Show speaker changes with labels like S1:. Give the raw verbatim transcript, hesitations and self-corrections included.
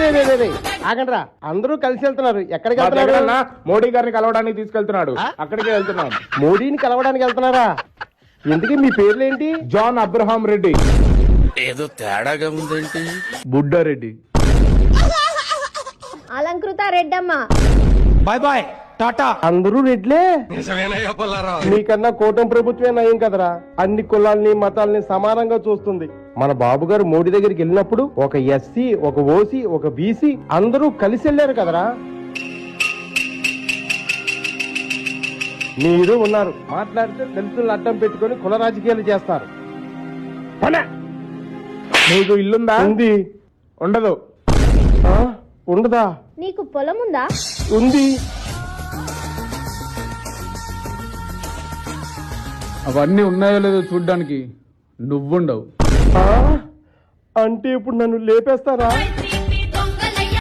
S1: ఆగండ్రా, అందరూ కలిసి వెళ్తున్నారు. ఎక్కడికి వెళ్తున్నారు?
S2: మోడీ గారిని కలవడానికి తీసుకెళ్తున్నాడు. అక్కడికే వెళ్తున్నాం.
S1: మోడీని కలవడానికి వెళ్తున్నారా? ఎందుకు మీ పేర్లేంటి?
S2: John Abraham Reddy.
S3: ఏదో తేడాగా ఉందేంటి?
S2: Buddareddy.
S4: Alankrita Reddamma.
S5: Bye bye tata.
S1: అందరూ రెడ్లే. మీకన్నా కూటమి ప్రభుత్వమే నయం కదరా, అన్ని కులాల్ని మతాల్ని సమానంగా చూస్తుంది. మన బాబు గారు మోడీ దగ్గరికి వెళ్ళినప్పుడు ఒక ఎస్సీ, ఒక ఓసీ, ఒక బీసీ అందరూ కలిసి వెళ్ళారు కదరా. మీరు ఉన్నారు, మాట్లాడితే దళితులను అడ్డం పెట్టుకొని కుల రాజకీయాలు చేస్తారు.
S2: నీకు ఇల్లుందా?
S1: ఉంది.
S2: ఉండదు.
S1: ఆ? ఉండదా?
S4: నీకు పొలం ఉందా?
S1: ఉంది.
S5: అవన్నీ ఉన్నాయో లేదో చూడ్డానికి నువ్వుండవు.
S1: అంటే ఇప్పుడు నన్ను లేపేస్తారా?